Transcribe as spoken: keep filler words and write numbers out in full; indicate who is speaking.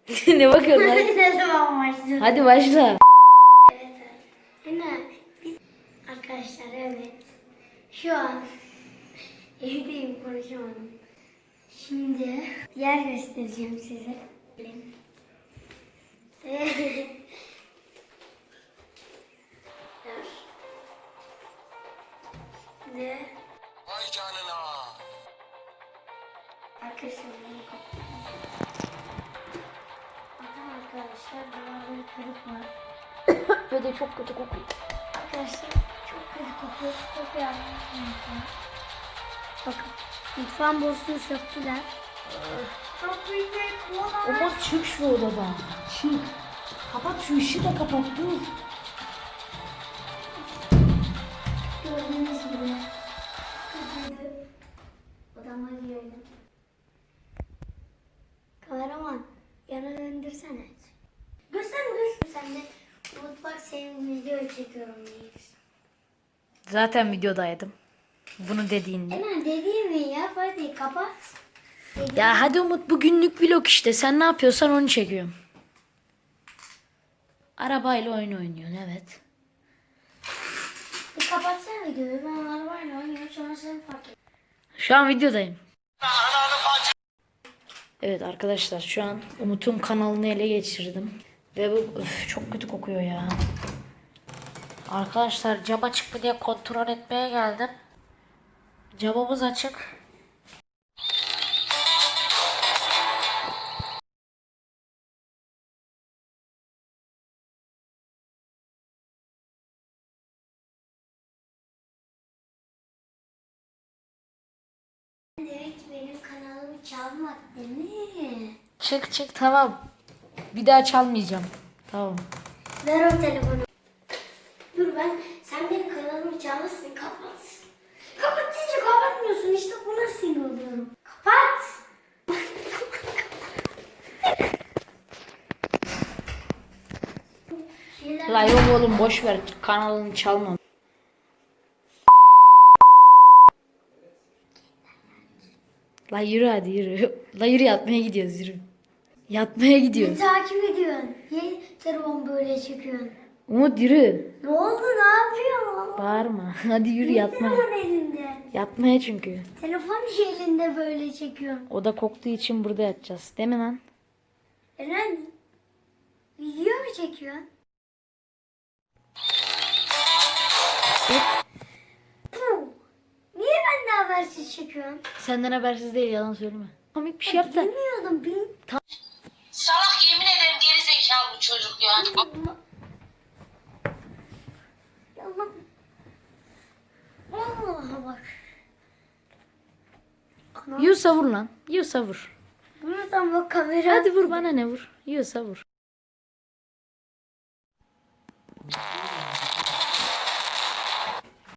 Speaker 1: Ne bakıyorsun lan?
Speaker 2: Ne zaman başlıyor?
Speaker 1: Hadi başla.
Speaker 2: Evet. Yine biz arkadaşlar evet. Şu an evdeyim, konuşamadım. Şimdi bir yer göstereceğim size. Ne?
Speaker 3: Vay canına.
Speaker 2: Arkadaşlar bunu kapatalım. Bakın arkadaşlar, duvarları kırık var.
Speaker 1: Ve de çok kötü kokuyor.
Speaker 2: Arkadaşlar çok kötü kokuyor. Kokuyor anlatmayın. Bakın mutfağın borusunu söktüler. Çok büyük bir oda.
Speaker 1: Umut çık şu odadan. Çık. Kapat şu ışığı da kapat dur.
Speaker 2: Gördüğünüz gibi kötüydü. Odama girelim. Kameraman yana döndürsene. Göster göster. Sen de mutfak senin video çekiyorum diyeceksin.
Speaker 1: Zaten videodaydım. Bunu dediğinde.
Speaker 2: Hemen dediğim mi ya? Hadi kapat. Dediğim.
Speaker 1: Ya hadi Umut, bu günlük vlog işte. Sen ne yapıyorsan onu çekiyorum. Arabayla oyun oynuyorsun, evet.
Speaker 2: Bir kapatsana videoyu. Ben arabayla oynuyorum, sonra sen fark et.
Speaker 1: Şu an videodayım. Evet arkadaşlar, şu an Umut'un kanalını ele geçirdim. Ve bu öf, çok kötü kokuyor ya. Arkadaşlar cam açık mı diye kontrol etmeye geldim. Camımız açık.
Speaker 2: Demek ki benim kanalımı çalmak değil mi?
Speaker 1: Çık çık, tamam. Bir daha çalmayacağım. Tamam.
Speaker 2: Ver o telefonu. Dur ben, sen benim kanalımı çalmışsın, kapat. Kapat deyince kapatmıyorsun, işte buna sinir oluyorum. Kapat. Şeyler-
Speaker 1: La yok oğlum, boş ver, kanalını çalmam. La yürü hadi yürü. La yürü, yatmaya gidiyoruz, yürü. Yatmaya
Speaker 2: Ne
Speaker 1: gidiyoruz.
Speaker 2: takip ediyorsun? Niye telefon böyle çekiyorsun?
Speaker 1: Umut yürü.
Speaker 2: Ne oldu, ne yapıyorsun?
Speaker 1: Bağırma. Hadi yürü
Speaker 2: Niye
Speaker 1: yatmaya.
Speaker 2: telefon elinde?
Speaker 1: Yatmaya çünkü.
Speaker 2: Telefon niye elinde böyle çekiyorsun?
Speaker 1: O da koktuğu için burada yatacağız. Değil mi lan?
Speaker 2: Eren, video mu çekiyorsun? Puh, niye benden habersiz çekiyorsun?
Speaker 1: Senden habersiz değil, yalan söyleme. Komik bir şey yap da.
Speaker 2: Bilmiyordum, bil.
Speaker 4: Salak, yemin ederim geri zekalı bu çocuk ya.
Speaker 2: Allah. Allah bak. Ana,
Speaker 1: Yiyorsa vur lan. Yiyorsa vur.
Speaker 2: buradan bak kamera.
Speaker 1: Hadi vur, bana ne vur. Yiyorsa vur.